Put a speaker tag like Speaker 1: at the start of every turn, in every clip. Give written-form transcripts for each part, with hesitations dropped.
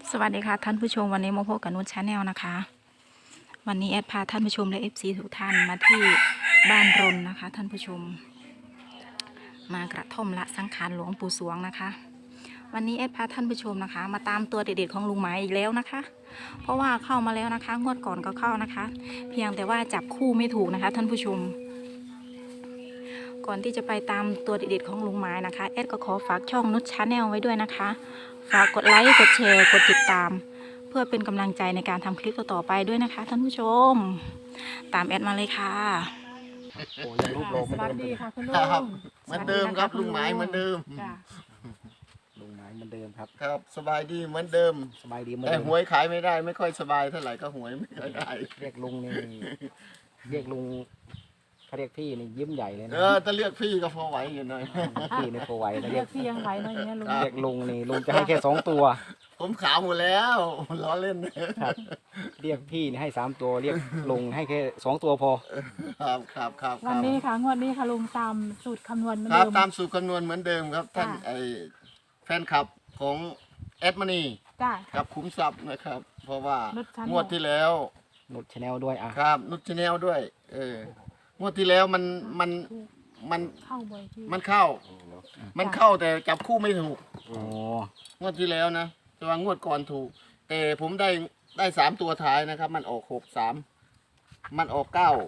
Speaker 1: สวัสดีค่ะท่านผู้ชมวันนี้มาพบกับนุชชาแนลนะคะวันนี้แอดพาท่านผู้ชมและ FC ทุกท่านมาที่บ้านรนนะคะท่านผู้ชมมากระท่อมละสังขารหลวงปู่สวงนะคะวันนี้แอดพาท่านผู้ชมนะคะมาตามตัวเด็ดๆของลุงหมายอีกแล้วนะคะเพราะว่าเข้ามาแล้วนะคะงวดก่อนก็เข้านะคะเพียงแต่ว่าจับคู่ไม่ถูกนะคะท่านผู้ชมก่อนที่จะไปตามตัวเด็ดๆของลุงหมายนะคะแอดก็ขอฝากช่องนุชชาแนลไว้ด้วยนะคะฝากกดไลค์กดแชร์กดติดตามเพื่อเป็นกำลังใจในการทำคลิปต่อไปด้วยนะคะท่านผู้ชมตามแอดมาเลยค่ะ
Speaker 2: โอ้ยังรูปโลง
Speaker 3: สวัสดีค่ะคุณลุ
Speaker 2: ครับ
Speaker 3: ง
Speaker 2: เหมือนเดิมครับลุงหมายเหมือนเดิม
Speaker 3: จ้ะ
Speaker 2: ลุงหมายเหมือนเดิมครับ
Speaker 4: ครับสบายดีเหมือนเดิม
Speaker 2: สบายดีเหมือน
Speaker 4: แต่
Speaker 2: เดิม
Speaker 4: หวยขายไม่ได้ไม่ค่อยสบายเท่าไหร่ก็หวยไม่ค่อยได้
Speaker 2: เรียกลุงนี่เรียกลุงเขาเรียกพี่นี่ยิ้มใหญ่เลยนะ
Speaker 4: ถ้าเลือกพี่ก็พอไหวอยู่หน่อย
Speaker 2: พี่นี่โทรไวนะ
Speaker 3: เรี
Speaker 2: เรี
Speaker 3: ย
Speaker 2: ย
Speaker 3: ก
Speaker 2: ก
Speaker 3: พี่ยังไหวเนาะอย่างเงี้ยลุง
Speaker 2: เรียกลุงนี่ลุงจะให้แค่2 ตัว
Speaker 4: ผมขาวหมดแล้วล้อเล่น
Speaker 2: ครับ เรียกพี่นี่ให้3 ตัวเรียกลุงให้แค่2 ตัวพอ
Speaker 4: ครับ
Speaker 3: วันนี้ค่ะงวดนี้ค่ะลุงตามสูตรคำนวณเหมือน
Speaker 4: ครับ
Speaker 3: เดิม
Speaker 4: ตามสูตรคำนวณเหมือนเดิมครับท่าน
Speaker 3: ค่ะ
Speaker 4: ไอแฟนคลับของแอดมานี
Speaker 3: จ้ะ
Speaker 4: กับคุ้มทรัพย์นะครับ เพราะว่า
Speaker 3: นุชชาแนล
Speaker 4: งวดที่แล้ว
Speaker 2: นุชชาแนลด้วยอ่ะ
Speaker 4: ครับนุชชาแนลด้วยงวดที่แล้วมัน
Speaker 3: เข้าบ่อยที่
Speaker 4: มันเข้า มันเข้าแต่จับคู่ไม่ถูก
Speaker 2: โอ้
Speaker 4: งวดที่แล้วนะแต่ว่างวดก่อนถูก แต่ผมได้3 ตัวท้ายนะครับ มันออก6 3มันออก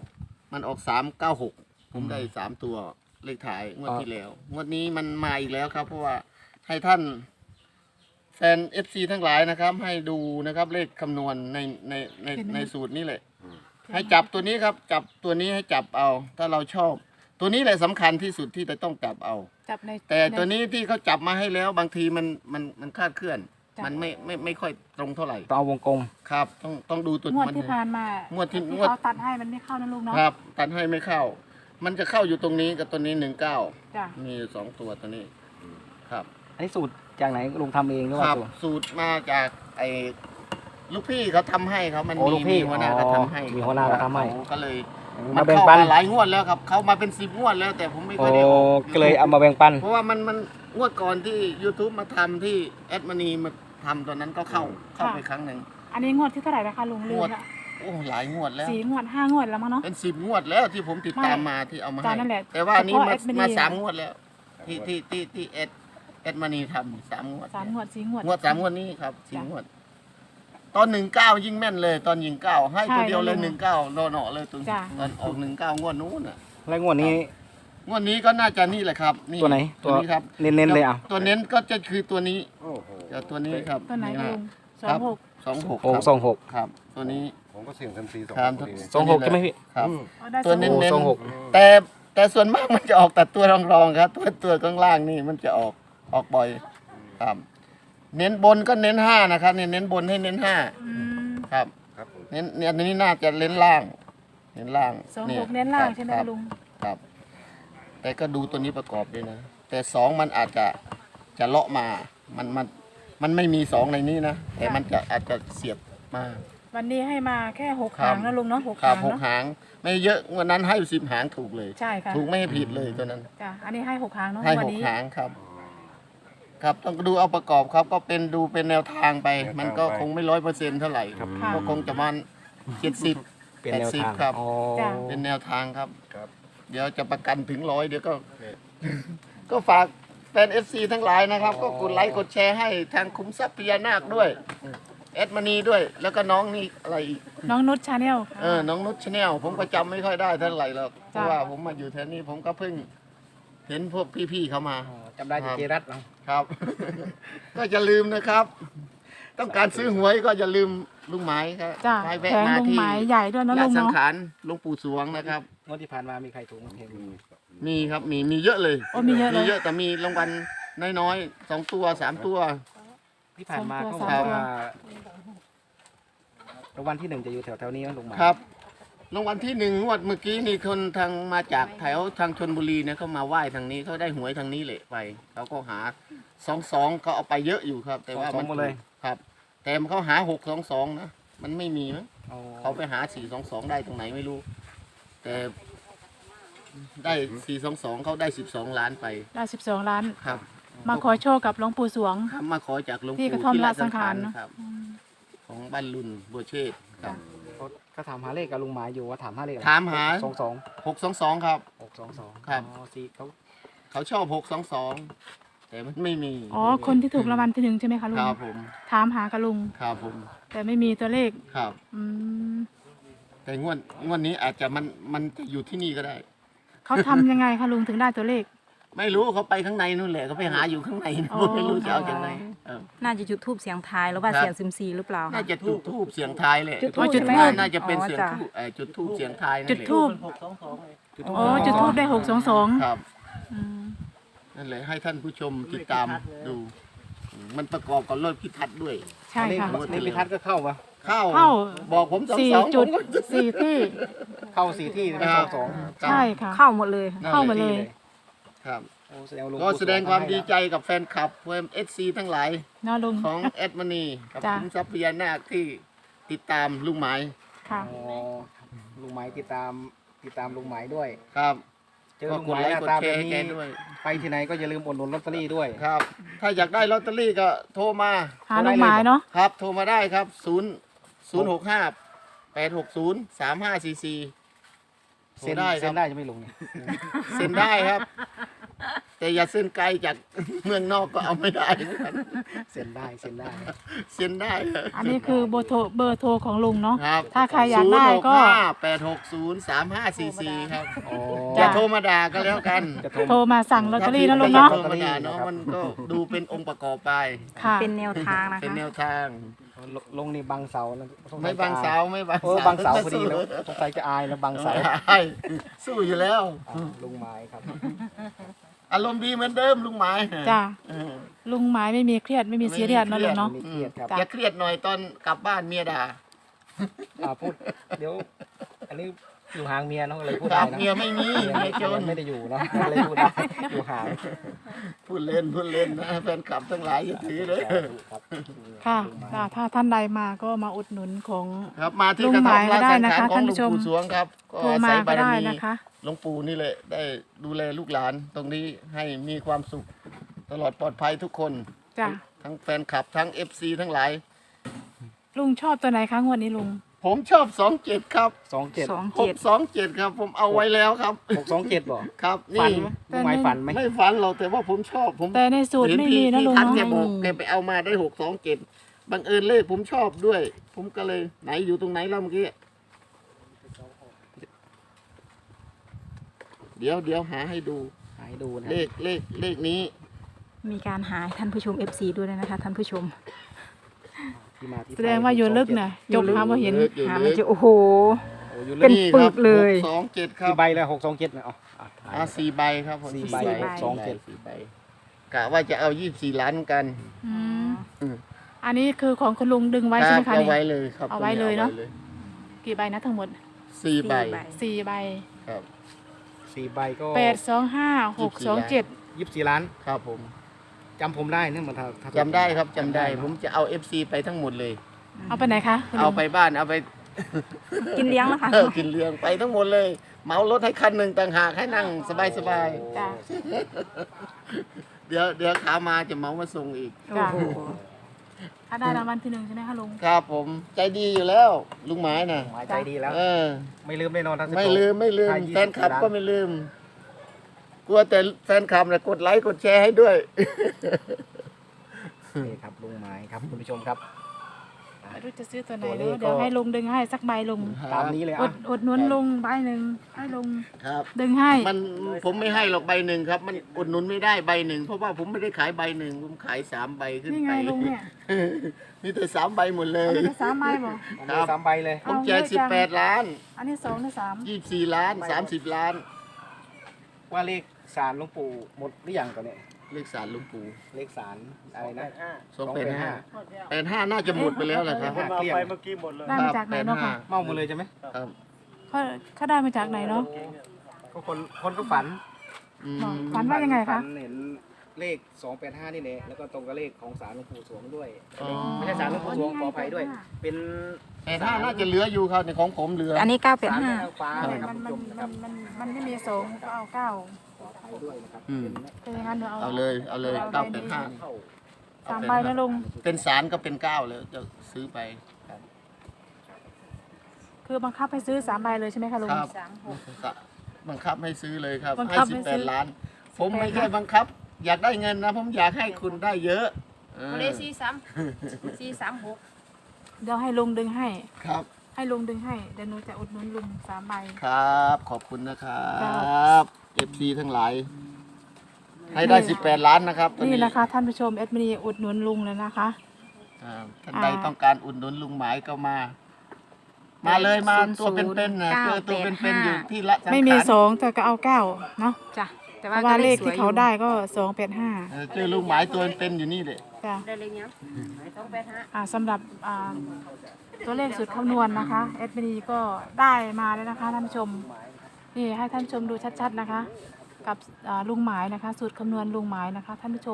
Speaker 4: 9มันออก3 9 6ผมได้3 ตัวเลขท้ายงวดที่แล้วงวดนี้มันมาอีกแล้วครับ เพราะว่าให้ท่านแฟน FC ทั้งหลายนะครับ ให้ดูนะครับเลขคำนวณในสูตรนี้แหละให้จับตัวนี้ครับ จับตัวนี้ให้จับเอา ถ้าเราชอบ ตัวนี้แหละสำคัญที่สุดที่จะต้องจับเอา
Speaker 3: จับใน
Speaker 4: แต่ตัวนี้ที่เขาจับมาให้แล้วบางทีมันคลาดเคลื่อน
Speaker 3: จ้ะ
Speaker 4: มันไม่ค่อยตรงเท่าไหร่
Speaker 2: ต้องเอาวงกลม
Speaker 4: ครับ ต้องดูตัว
Speaker 3: งวด
Speaker 4: มัน
Speaker 3: ที่ผ่านมาง
Speaker 4: วดที่
Speaker 3: ที่
Speaker 4: งวด
Speaker 3: เขาตัดให้มันไม่เข้านะลุงเนาะ
Speaker 4: ครับตัดให้ไม่เข้า มันจะเข้าอยู่ตรงนี้กับตัวนี้19
Speaker 3: จ้ะ
Speaker 4: มีอยู่2 ตัวตัวนี้ครับ
Speaker 2: อันนี้สูตรจากไหนลุงทำเองหรือ
Speaker 4: ค
Speaker 2: ว่า
Speaker 4: รับ
Speaker 2: สูตร
Speaker 4: สูตรมาจากไอ้ลูกพี่เขาทำให้เขามัน
Speaker 2: โอ้ลูกพี่
Speaker 4: มีหัวหน้าเขาทำให้
Speaker 2: มีหัวหน้าเขาทำให้
Speaker 4: ก็เลย
Speaker 2: มา
Speaker 4: มัน
Speaker 2: แบ่ง
Speaker 4: เข้า
Speaker 2: ปัน
Speaker 4: มาหลายงวดแล้วครับเขามาเป็น10 งวดแล้ว แต่ผมไม่ค่
Speaker 2: โอ้
Speaker 4: อยได้ออก
Speaker 2: ก็เลยเอามาแบ่งปัน
Speaker 4: เพราะว่ามันงวดก่อนที่ YouTube มาทำที่แอดมานีมาทำตอนนั้นก็เข้าไปครั้งหนึ่ง
Speaker 3: อันนี้งวดที่เท่าไหร่นะคะลุงลื
Speaker 4: ง
Speaker 3: ม
Speaker 4: วด
Speaker 3: ละ
Speaker 4: โอ้หลายงวดแล้ว
Speaker 3: 4 งวด 5 งวดแล้วมั้งเนาะ
Speaker 4: เป็น10 งวดแล้วที่ผมติดตามมาที่เอามา
Speaker 3: จ้ะ
Speaker 4: ให้
Speaker 3: นั่นแหละ
Speaker 4: แต่ว่าอันนี้
Speaker 3: เฉพาะ
Speaker 4: มา
Speaker 3: แอดมิน
Speaker 4: มา
Speaker 3: นี่
Speaker 4: 3 งวดแล้ว ที่แอดมานีทำ3 งวด
Speaker 3: 3 งวด 4 งวด
Speaker 4: งวด3 งวดนี้ครับ
Speaker 3: จ้ะ
Speaker 4: 4 งวด ตอน19ยิ่งแม่นเลย ตอนยิง9ให้
Speaker 3: ใช่
Speaker 4: ตัวเดียวเลย
Speaker 3: แล้วลุง
Speaker 4: 19รอเนาะเลยตรง
Speaker 3: จ้ะ
Speaker 4: ตอนออก19งวดนู้นน่ะ
Speaker 2: แล้วงวดนี้
Speaker 4: งวดนี้ก็น่าจะนี่แหละครับนี่
Speaker 2: ตัวไหน
Speaker 4: ตัวนี้ครับ
Speaker 2: เน้นๆเลยอ่ะ
Speaker 4: ตัวเน้นก็จะคือตัวนี้
Speaker 5: โอ้โห
Speaker 4: กับตัวนี้ครับ
Speaker 3: ตัวไหน
Speaker 4: ฮะ
Speaker 3: ลุง
Speaker 4: ครับ
Speaker 3: 26
Speaker 4: 26
Speaker 2: โอ้
Speaker 4: ครับ
Speaker 2: 26
Speaker 4: ครับ ตัวนี้
Speaker 5: ผมก็เสี่ยงเซยมซีสอง
Speaker 4: ครับ
Speaker 5: พอดี
Speaker 2: 26ใช่ไหมพี่
Speaker 4: ครับ
Speaker 3: อ๋อได้
Speaker 4: ตัว
Speaker 3: สอง
Speaker 4: เน้น
Speaker 2: โอ้
Speaker 4: เน้น
Speaker 2: 26
Speaker 4: แต่ส่วนมากมันจะออกแต่ตัวรองๆครับ ตัวข้างล่างนี่มันจะออกบ่อยครับ เน้นบนก็เน้น5นะครับเนี่ยเน้นบนให้เน้น
Speaker 3: อืม
Speaker 4: 5ครับ
Speaker 5: ครับผม
Speaker 4: เน้นเนี่ยอันนี้น่าจะเน้นล่าง เน้นล่าง
Speaker 3: 26เน้นล่างใช่ไหม
Speaker 4: ครับ
Speaker 3: ลุง
Speaker 4: ครับ แต่ก็ดูตัวนี้ประกอบด้วยนะ แต่2มันอาจจะเลาะมามันไม่มี2ในนี้นะแต่มันอาจจะเสียบมา
Speaker 3: วันนี้ให้มาแค่6
Speaker 4: ครับ
Speaker 3: หางนะลุงเนาะ6
Speaker 4: ครั
Speaker 3: หา
Speaker 4: บ
Speaker 3: ง
Speaker 4: หก
Speaker 3: เนาะ
Speaker 4: หาง ไม่เยอะวันนั้นให้10 หางถูกเลย
Speaker 3: ใช่ค่ะ
Speaker 4: ถูกไม่ให้ผิดเลยตัวนั้น
Speaker 3: จ้ะอันนี้ให้6 หางเนาะ
Speaker 4: ให้
Speaker 3: วัน
Speaker 4: 6
Speaker 3: นี้
Speaker 4: หางครับ ครับต้องดูเอาประกอบครับ ก็เป็นดูเป็นแนวทางไป มันก็คงไม่100%เท่าไหร่
Speaker 2: ครับ
Speaker 3: ค่ะ
Speaker 4: ก็คงจะมัน70
Speaker 2: เป็นแนวทาง
Speaker 4: 80ครับ
Speaker 2: อ๋อ
Speaker 3: จ้ะ
Speaker 4: เป็นแนวทางครับ
Speaker 5: ครับ
Speaker 4: เดี๋ยวจะประกันถึง100เดี๋ยวก็ ก็ฝากแฟน FC ทั้งหลายนะครับ ก็กดไลค์กดแชร์ให้ทางคุ้มทรัพย์พญานาคด้วยแอดมานีด้วย แล้วก็น้องนี่อะไรอีก
Speaker 3: น้องนุชชาแนล
Speaker 4: น้องนุชชาแนลผมก็จำไม่ค่อยได้เท่าไหร่หรอกเพ
Speaker 3: จ้ะ
Speaker 4: ราะว่าผมมาอยู่แถวนี้ผมก็เพิ่งเห็นพวกพี่ๆเขามา
Speaker 2: อ๋อจำได้จากเจรัตเนาะ
Speaker 4: ครับ ก็อย่าลืมนะครับ ต้องการซื้อหวยก็อย่าลืมลุงหมายครับ
Speaker 3: จ้ะ
Speaker 4: ให้
Speaker 3: แผ
Speaker 4: แวะ
Speaker 3: ง
Speaker 4: มา
Speaker 3: ลุง
Speaker 4: ที่
Speaker 3: หมายใหญ่ด้วยนะ
Speaker 4: ละ
Speaker 3: ลุง
Speaker 4: สัง
Speaker 3: เนาะ
Speaker 4: ขารหลวงปู่สวงนะครับ
Speaker 2: งวดที่ผ่านมามีใครถูกบ้างเพลง
Speaker 4: มีครับมีเยอะเลย
Speaker 3: โอ้มีเยอะเลย
Speaker 4: มีเยอะแต่มีรางวัลน้อยๆ2 ตัว 3 ตัว
Speaker 2: ที่ผ่านมา
Speaker 3: ส
Speaker 2: เขา
Speaker 3: อง
Speaker 2: บ
Speaker 3: ตัว
Speaker 2: อก
Speaker 3: สามตัว
Speaker 2: ว่ารางวัลที่ 1จะอยู่แถวๆนี้นะลุงหมาย
Speaker 4: ครับรางวัลที่1งวดเมื่อกี้นี่คนทางมาจากแถวทางชนบุรีเนี่ยเขามาไหว้ทางนี้เขาได้หวยทางนี้เลยไปเขาก็หา22เขาเอาไปเยอะอยู่ครับ แต่ว่า
Speaker 2: สองหมดเลย
Speaker 4: ครับ แต่เขาหา622นะมันไม่มีมั้ง
Speaker 2: อ๋อ
Speaker 4: เขาไปหา422ได้ตรงไหนไม่รู้ แต่ได้422เขาได้12 ล้านไป
Speaker 3: ได้12 ล้าน
Speaker 4: ครับ
Speaker 2: อ
Speaker 3: มาขอโชคกับหลวงปู่สวง
Speaker 4: ครับมาขอจากหลวง
Speaker 3: ที่
Speaker 4: ปู่
Speaker 3: กระท่อม
Speaker 4: ที่
Speaker 3: ละสังขารเนอะ
Speaker 4: ครับ ของบ้านลุนบัวเชษฐ์ครับ
Speaker 2: เขาถามหาเลขกับลุงหมายอยู่ว่าถามหาเลขอะไร
Speaker 4: ถามหา
Speaker 2: 22
Speaker 4: 622ครับ
Speaker 2: 622
Speaker 4: ครับ
Speaker 2: อ๋อสีเขา
Speaker 4: เขาชอบ622แต่มันไม่มี
Speaker 3: อ๋อคนที่ถูกรางวัลที่หนึ่งใช่ไหมคะลุ
Speaker 4: ค
Speaker 3: ง
Speaker 4: รับผม
Speaker 3: ถามหากับลุง
Speaker 4: ครับผม
Speaker 3: แต่ไม่มีตัวเลข
Speaker 4: ครับ
Speaker 3: อืม
Speaker 4: แต่งวดนี้อาจจะมันจะอยู่ที่นี่ก็ได้
Speaker 3: เขาทำยังไงคะลุงถึงได้ตัวเลข
Speaker 4: ไม่รู้เขาไปข้างในนู่นแหละเขาไปหาอยู่ข้างใน
Speaker 3: อ๋อ
Speaker 4: ไม่รู้จะเอาจากไหนเออ
Speaker 1: น่าจะจุดทูบเสียงทายหรือว่า
Speaker 4: ครับ
Speaker 1: เสียงซิมซีหรือเปล่า
Speaker 4: น่าจะจุดทูบเสียงทายเลย
Speaker 1: จุดธูป
Speaker 3: จุดธูป
Speaker 4: น่าจะเป็น
Speaker 1: อ๋อ
Speaker 4: เสียง
Speaker 1: จ้ะ
Speaker 4: ทูบจุดทูบเสียงทายนั่น
Speaker 3: จุด
Speaker 4: แหละ
Speaker 3: ทูบ
Speaker 2: จุด
Speaker 3: อ๋อจุดทูบได้622
Speaker 4: ครับ
Speaker 3: อืม
Speaker 4: นั่นแหละให้ท่านผู้ชมติดตามดูมันประกอบกับรถพิทัศน์ด้วย
Speaker 3: ใช่ค่ะ
Speaker 2: เลขพิทัศน์ก็เข้าปะ
Speaker 4: เข้า
Speaker 3: เข้า
Speaker 4: บอกผมสอง
Speaker 3: สี่
Speaker 4: สอง
Speaker 3: จุด
Speaker 4: ผมก็
Speaker 3: สี่ที่
Speaker 2: เข้า4ที่ไม่
Speaker 4: ครับ
Speaker 2: 22
Speaker 3: ใช่ค่ะ
Speaker 1: เข้าหมดเลย
Speaker 4: นั่นแหละ
Speaker 3: เข้ามาเลย
Speaker 4: ครับ
Speaker 2: โอ้แสดงว่าหลวง
Speaker 4: ก็
Speaker 2: ปู่
Speaker 4: แสดงความดีใจกับแฟนคลับเอฟซีทั้งหลาย
Speaker 3: เนาะลุง
Speaker 4: ของแอดมณีกับ
Speaker 3: จ้ะ
Speaker 4: คุณทรัพยานาคที่ติดตามลุงหมาย
Speaker 3: ค่ะ
Speaker 2: อ๋อลุงหมายติดตามลุงหมายด้วย
Speaker 4: ครับ
Speaker 2: เจอ
Speaker 4: ก็
Speaker 2: ลุง
Speaker 4: ก
Speaker 2: ห
Speaker 4: ด
Speaker 2: มาย
Speaker 4: ไล
Speaker 2: ห
Speaker 4: ค์
Speaker 2: น้าก ตา
Speaker 4: ดแช
Speaker 2: แบบ
Speaker 4: ร์ให้แก
Speaker 2: นี้
Speaker 4: ด้วย
Speaker 2: ไปที่ไหนก็อย่าลืมอุดหนุนลอตเตอรี่ด้วย
Speaker 4: ครับ ถ้าอยากได้ลอตเตอรี่ก็โทรมา
Speaker 3: หาลุงหมายเนาะ
Speaker 4: ครับ โทรมาได้ครับ065 860 3544โทร
Speaker 2: เซ็น
Speaker 4: ได้ค
Speaker 2: เซ็
Speaker 4: รับ
Speaker 2: นได้จะไม่ลงเนี่ย
Speaker 4: เซ็นได้ครับ แต่อย่าเซ็นไกลจาก เมืองนอกก็เอาไม่ได้เหมือนกัน
Speaker 2: เซ็นได้
Speaker 4: เซ็นได้
Speaker 3: อันนี้คือเบอร์โทรของลุงเนาะ
Speaker 4: ครับ
Speaker 3: ถ้าใครอยากได้ก็
Speaker 4: 860 ครับ
Speaker 2: อ๋อ
Speaker 4: อย่าโทรมาด่าก็แล้วกัน
Speaker 2: จะ
Speaker 3: โทรมาสั่งลอตเตอรี่นะลุง
Speaker 4: ถ้
Speaker 3: เนาะ
Speaker 4: โทรมาด่าเนาะมันก็ดูเป็นองค์ประกอบไป
Speaker 3: ค่ะ
Speaker 1: เป็นแนวทางนะ
Speaker 4: เป็น
Speaker 1: คะ
Speaker 4: แนวทาง
Speaker 2: ลงนี่บังเสาแล้วสสัย
Speaker 4: ไม่บังเสาไม่บัง
Speaker 2: เออ
Speaker 4: เสา
Speaker 2: บังเสาพอดีแล้วสงสัยจะอายแล้วบังเสา
Speaker 4: ใช่สู้อยู่แล้ว
Speaker 2: ลุงหมายครับ
Speaker 4: อารมณ์ดีเหมือนเดิมลุงหมาย
Speaker 3: จ้า
Speaker 4: เออ
Speaker 3: ลุงหมายไม่มีเครียดไม่มีซีเรียสเนาะลุงเนาะ
Speaker 2: ไม่เครียดครับ
Speaker 4: อย่าเครียดหน่อยตอนกลับบ้านเมียด่า
Speaker 2: พูดเดี๋ยว อันนี้อยู่ห่างเมียเนาะเลยพูด
Speaker 4: ครั
Speaker 2: ได้
Speaker 4: บ
Speaker 2: นะ
Speaker 4: เมียไม่มีเมียจน
Speaker 2: ไม่ได้อยู่เนาะเลยพูดได้อยู่ห่าง
Speaker 4: พูดเล่นนะแฟนคลับทั้งหลายอย่าถือเลย
Speaker 2: ครับ
Speaker 3: ค่ะค่ะถ้าท่านใดมาก็มาอุดหนุนของ
Speaker 4: ครับมาที่
Speaker 3: ลุง
Speaker 4: กระ
Speaker 3: ห
Speaker 4: ท่อ
Speaker 3: มาม ยก็
Speaker 4: ราช
Speaker 3: ได้
Speaker 4: สัง
Speaker 3: นะ
Speaker 4: ขาร
Speaker 3: คะ
Speaker 4: ของ
Speaker 3: ท่าน
Speaker 4: หลว
Speaker 3: ผู้
Speaker 4: ง
Speaker 3: ชม
Speaker 4: ปู่สวงครับก็
Speaker 3: โทร
Speaker 4: อา
Speaker 3: มา
Speaker 4: ศัย
Speaker 3: ก็
Speaker 4: บาร
Speaker 3: ได้
Speaker 4: มี
Speaker 3: นะคะ
Speaker 4: หลวงปู่นี่แหละได้ดูแลลูกหลานตรงนี้ให้มีความสุขตลอดปลอดภัยทุกคน
Speaker 3: จ้ะ
Speaker 4: ทั้งแฟนคลับทั้ง FC ทั้งหลาย
Speaker 3: ลุงชอบตัวไหนคะงวดนี้ลุง
Speaker 4: ผมชอบ27ครับ
Speaker 2: 27
Speaker 4: 627ครับผมเอาไว้แล้วครับ
Speaker 2: 627บ่
Speaker 4: ครับ
Speaker 2: ฝั
Speaker 4: นี่
Speaker 2: นไหมลุงหมายฝันไหม
Speaker 4: ไม่ฝันหรอกแต่ว่าผมชอบผม
Speaker 3: แต่ในสูตร
Speaker 4: เห็น
Speaker 3: ไม่
Speaker 4: พี่
Speaker 3: มีนะ
Speaker 4: พี่
Speaker 3: ลุง
Speaker 4: ทัน
Speaker 3: เนาะ
Speaker 4: แกบอกแกไปเอามาได้627บังเอิญเลขผมชอบด้วย ผมก็เลยไหนอยู่ตรงไหนแล้วเมื่อกี้เดี๋ยวหาให้ดู
Speaker 2: หายดูนะ
Speaker 4: เลขนี้
Speaker 1: มีการหาให้ท่านผู้ชม FC ด้วยนะคะท่านผู้ชม
Speaker 2: ที่มาที่ไป
Speaker 3: แสดงว่าอยู่ลึกน่ะจบหาว่าเห็น
Speaker 4: อยู่
Speaker 1: หา
Speaker 4: ลึ
Speaker 1: ไม่
Speaker 4: ก
Speaker 1: เจอโอ้โห
Speaker 2: โอ้อยู่
Speaker 1: เป็
Speaker 2: ลึ
Speaker 1: น
Speaker 2: ก
Speaker 4: นี่
Speaker 1: ปึ
Speaker 4: ครับ
Speaker 1: กเลย
Speaker 4: 627ครั
Speaker 2: กี่
Speaker 4: บ
Speaker 2: ใบแล้ว627นะอ๋อ
Speaker 4: 4ใบครับผม
Speaker 2: 4ใบ
Speaker 1: 4ใบ
Speaker 2: 627
Speaker 4: 4ใบกะว่าจะเอา24ล้านกัน
Speaker 3: อืม
Speaker 4: อืม
Speaker 3: อันนี้คือของคุณลุงดึงไว้
Speaker 4: ค
Speaker 3: ใช่
Speaker 4: รั
Speaker 3: ไหมคะ
Speaker 4: เอา
Speaker 3: นี่
Speaker 4: ไว้เลยครับ
Speaker 3: เอาไว้เลยเนอะ
Speaker 4: อ
Speaker 3: กี่ใบนะทั้งหมด
Speaker 4: สี่ใบ
Speaker 3: 4 ใบ
Speaker 4: ครับ
Speaker 2: 4ใบก็
Speaker 3: 825 627
Speaker 2: 24ล้าน
Speaker 4: ครับผม
Speaker 2: จำผมได้เนี่ยมันถ้า
Speaker 4: จำได้ครับจำได้ ผมจะเอา FC ไปทั้งหมดเลย
Speaker 3: เอาไปไหนคะคุณลุ
Speaker 4: เอา
Speaker 3: ง
Speaker 4: ไปบ้านเอาไป
Speaker 1: กินเลี้ยงนะคะ
Speaker 4: กินเลี้ยงไปทั้งหมดเลย เหมารถให้คันหนึ่งต่างหากให้นั่งสบาย
Speaker 3: จ้ะ
Speaker 4: ๆเดี๋ยวขามาจะเหมามาส่งอีก
Speaker 3: จ้ะ
Speaker 1: โอ้โห
Speaker 3: ถ้าได้รางวัลที่หนึ่งใช่ไหมคะลุง
Speaker 4: ครับผมใจดีอยู่แล้วลุงหมายน่ะ
Speaker 2: หมายใจดีแล้ว
Speaker 4: เออ
Speaker 2: ไม่ลืมแน่นอนท่าน
Speaker 4: ไม่ลืม
Speaker 2: ถ้า
Speaker 4: แฟนคลับ
Speaker 2: 24
Speaker 4: ก็ไม่ลืม กลัวแต่แฟนคลับนะกดไลค์กดแชร์ให้ด้วย
Speaker 2: นี่ครับลุงหมายครับคุณผู้ชมครับ
Speaker 3: ไม่รู้จะซื้อตัวไหน
Speaker 2: ตัวเล
Speaker 3: เน
Speaker 2: ข
Speaker 3: อะเดี๋ยว
Speaker 2: ก็
Speaker 3: ให้ลุงดึงให้สักใบลุง
Speaker 2: ตามนี้เลย
Speaker 3: อ
Speaker 2: อ่ะ
Speaker 3: ดหนุนลุงใบหนึ่งให้ลุง
Speaker 4: ครับ
Speaker 3: ดึงให้
Speaker 4: ผมไม่ให้หรอกใบหนึ่งครับ มันอุดหนุนไม่ได้ใบหนึ่งเพราะว่าผมไม่ได้ขายใบหนึ่งผมขาย3 ใบขึ้น
Speaker 3: นี่ไง
Speaker 4: ไป
Speaker 3: ลุงเนี่ย
Speaker 4: มีแต่3 ใบหมดเลย
Speaker 3: อันนี้ก็3 ใบบ่
Speaker 2: ผม
Speaker 4: ครั
Speaker 2: มี
Speaker 4: บ
Speaker 2: 3ใบเลย
Speaker 4: ผมแจก18 ล้าน
Speaker 3: อันนี้2หรือ3
Speaker 4: 24 ล้าน 30 ล้าน
Speaker 2: ว่าเลขสารหลวงปู่หมดหรือยังก่อนเนี่ย
Speaker 4: เลขสารหลุงปู่
Speaker 2: เลขสารอะไรนะ
Speaker 4: 285น่าจะหมดไปแล้วแหละครับ
Speaker 2: เกลี้ยง
Speaker 3: ได้มาจากไหนเนาะค่ะ
Speaker 2: เมาหมดเลยใช่ไหม
Speaker 4: ครับ
Speaker 3: เขาได้มาจากไหนเนาะ
Speaker 2: ก็คนก็ฝัน
Speaker 4: อืม
Speaker 3: ฝันว่ายังไงคะ
Speaker 2: ฝันเห็นเลข285นี่แหละแล้วก็ตรงกับเลขของสารหลวงปู่สวงด้วย
Speaker 4: อ๋อ
Speaker 2: ไม่ใช่สารหลวงปู่สวงขออภัยด้วย เป็น
Speaker 4: 85น่าจะเหลืออยู่ครับในของผมเหลือ
Speaker 1: อันนี้
Speaker 2: สารแม่
Speaker 1: 985
Speaker 2: ฟ้า
Speaker 3: มัน
Speaker 2: นะครับ
Speaker 3: มัน
Speaker 2: คุณผู้ชมนะครับ
Speaker 3: มันไม่มี2ก็เอา9
Speaker 2: ด้วยนะครับ
Speaker 4: อืม
Speaker 3: เป็นอย่างนั้นหนู
Speaker 4: เอาเลยเอาเลยเก้าเป็นห้า
Speaker 3: สามใบนะลุง
Speaker 4: เป็นสารก็เป็นเก้าเลยจะซื้อไป
Speaker 3: คือบังคับให้ซื้อ3 ใบเลยใช่ไหมคะลุง
Speaker 4: ครับบังคับให้ซื้อเลยครับ
Speaker 3: บัง
Speaker 4: ให้
Speaker 3: คับให้ซื้อ
Speaker 4: 18 ล้าน ผมไม่ใช่บังคับ อยากได้เงินนะ ผมอยากให้คุณได้เยอะเออ
Speaker 5: เลข436
Speaker 3: เดี๋ยวให้ลุงดึงให้
Speaker 4: ครับ
Speaker 3: ให้ลุงดึงให้เดี๋ยวหนูจะอุดหนุนลุง3 ใบ
Speaker 4: ครับ ขอบคุณนะครั
Speaker 3: ครับ
Speaker 4: บ FC ทั้งหลาย ให้ได้ 18 ล้านนะครับตัว
Speaker 3: นี่นะคะท่านผู้ชมเอ็ดมินีอุดหนุนลุงเลยนะคะ
Speaker 4: ท่านใดต้องการอุดหนุนลุงหมายก็มา มาเลยมาตัวเป็นๆนะเจอตัวเป็นๆอยู่ที่ละสังขาร
Speaker 3: ไม่มี2แต่ก็เอา9เนาะ
Speaker 1: จ้ะแต่
Speaker 3: เพ
Speaker 1: ว่า
Speaker 3: ราะว่า
Speaker 1: ก็
Speaker 3: เล
Speaker 1: เล
Speaker 3: ข
Speaker 1: ข
Speaker 3: ที่เขาได้ก็285
Speaker 4: เจอลุงหมายตัวเป็นๆอยู่นี่เลย
Speaker 3: จ้ะ
Speaker 5: ได้เลขยัง285
Speaker 3: สำหรับตัวเลขสูตรคำนวณนะคะเอ็ดมินีก็ได้มาแล้วนะคะท่านผู้ชมนี่ให้ท่านผู้ชมดูชัดๆนะคะ กับลุงหมายนะคะ สูตรคำนวณลุงหมายนะคะ ท่านผู้ชม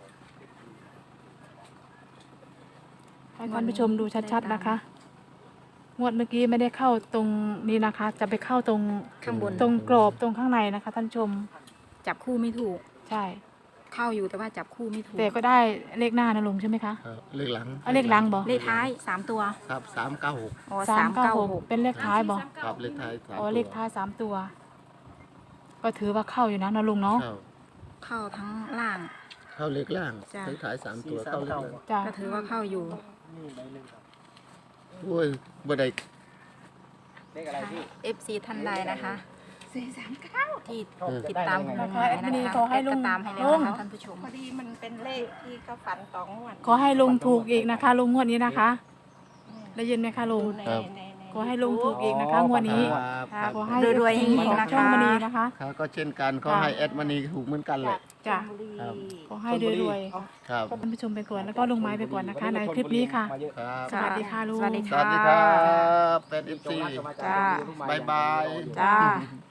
Speaker 3: ให้ท่านผู้ชมดูชัดๆนะคะงวดเมื่อกี้ไม่ได้เข้าตรงนี้นะคะ จะไปเข้าตรง
Speaker 1: ข้างบน
Speaker 3: ตรงกรอบตรงข้างในนะคะ ท่านผู้ชม
Speaker 1: จับคู่ไม่ถูก
Speaker 3: ใช่
Speaker 1: เข้าอยู่แต่ว่าจับคู่ไม่ถูก
Speaker 3: แต่ก็ได้เลขหน้านะลุงใช่ไหมคะ
Speaker 4: เลขหลัง
Speaker 3: เอาเลขหลังบอก
Speaker 1: เลขท้าย3 ตัว
Speaker 4: ครับ396
Speaker 1: อ๋อ
Speaker 3: 396เป็นเลขท้ายบอก
Speaker 4: ครับเลขท้าย3
Speaker 3: อ๋อเลขท้าย3 ตัว ก็ถือว่าเข้าอยู่นะนะลุงเนาะ
Speaker 4: เข้า
Speaker 1: เข้าทั้งล่าง
Speaker 4: เข้าเลขล่าง
Speaker 1: จ้ะ
Speaker 4: เลขท้าย3 ตัวเข้าเลขล่าง
Speaker 3: จ้ะ
Speaker 1: ก็ถือว่าเข้าอยู่
Speaker 4: โอ้ยบ่ได้
Speaker 2: เลขอะไรพี่
Speaker 1: FC ท่านใดนะคะที่ติด
Speaker 2: ได้
Speaker 1: ตาม
Speaker 2: ได้
Speaker 1: ลุง
Speaker 2: ไง
Speaker 1: หมายนะคะ
Speaker 3: ขอให้ลุง
Speaker 1: ก็ตามให้แล้วนะคะท่านผู้ชม
Speaker 5: พอดีมันเป็นเลขที่เขาฝัน2 งวด
Speaker 3: ขอให้ลุงถูกอีกนะคะลุงงวดนี้นะคะ ได้ยินไหมคะลุง
Speaker 4: ครับ
Speaker 3: ขอให้ลุงถูกอีกนะคะงวดนี้
Speaker 4: ครับ
Speaker 3: ขอให้
Speaker 1: รวยๆ
Speaker 3: FC
Speaker 1: เฮงๆ
Speaker 3: ของ
Speaker 1: นะคะ
Speaker 3: ช่องมณีนะคะ
Speaker 4: ครับก็เช่นกันขอให้แอดมานีถูกเหมือนกันแหละ
Speaker 3: จ้ะ
Speaker 4: ครับ
Speaker 3: ขอให้รวย
Speaker 4: ครับ
Speaker 3: ๆท่านผู้ชมไปก่อนแล้วก็ลุงไม้ไปก่อนนะคะ ในคลิปนี้ค่ะ
Speaker 2: มาเยอ
Speaker 4: ครับ
Speaker 3: สวัสดีค่ะลุง
Speaker 1: สวัสดี
Speaker 4: ส
Speaker 1: ค่ะ
Speaker 4: วัสดีครับเป็น
Speaker 2: จ
Speaker 4: FC
Speaker 2: งรักก็มาจาก
Speaker 1: จ้า
Speaker 2: ลูกไม้
Speaker 4: บายบาย
Speaker 1: จ้า